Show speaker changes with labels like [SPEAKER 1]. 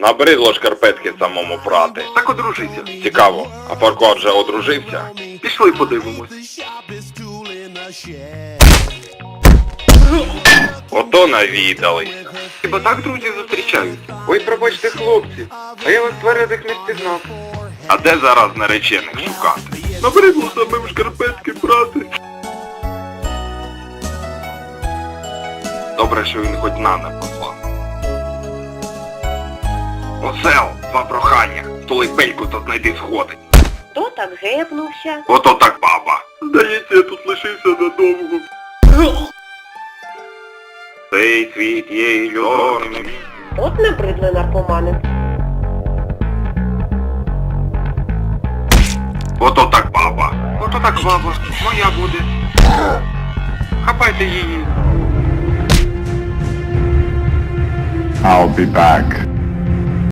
[SPEAKER 1] Набридло шкарпетки самому прати.
[SPEAKER 2] Так одружися.
[SPEAKER 1] Цікаво, а Фарко вже одружився?
[SPEAKER 2] Пішли подивимось.
[SPEAKER 1] Ото навідались.
[SPEAKER 2] Хіба так друзі зустрічаються?
[SPEAKER 1] Ой, пробачте, хлопці, а я вас твердих не впізнав. А де зараз наречених шукати?
[SPEAKER 2] Набридло самим шкарпетки брати.
[SPEAKER 1] Добре, що він хоч на не послав. Осел, два прохання. Столи пельку то знайди сходить.
[SPEAKER 3] Хто так гепнувся?
[SPEAKER 1] Ото так баба.
[SPEAKER 2] Здається, я тут лишився надовго.
[SPEAKER 1] Цей світ є ілюзорним.
[SPEAKER 3] От набридли наркомани.
[SPEAKER 1] Ото так баба.
[SPEAKER 2] Ото так баба, моя буде. Хапайте її.
[SPEAKER 4] I'll be back.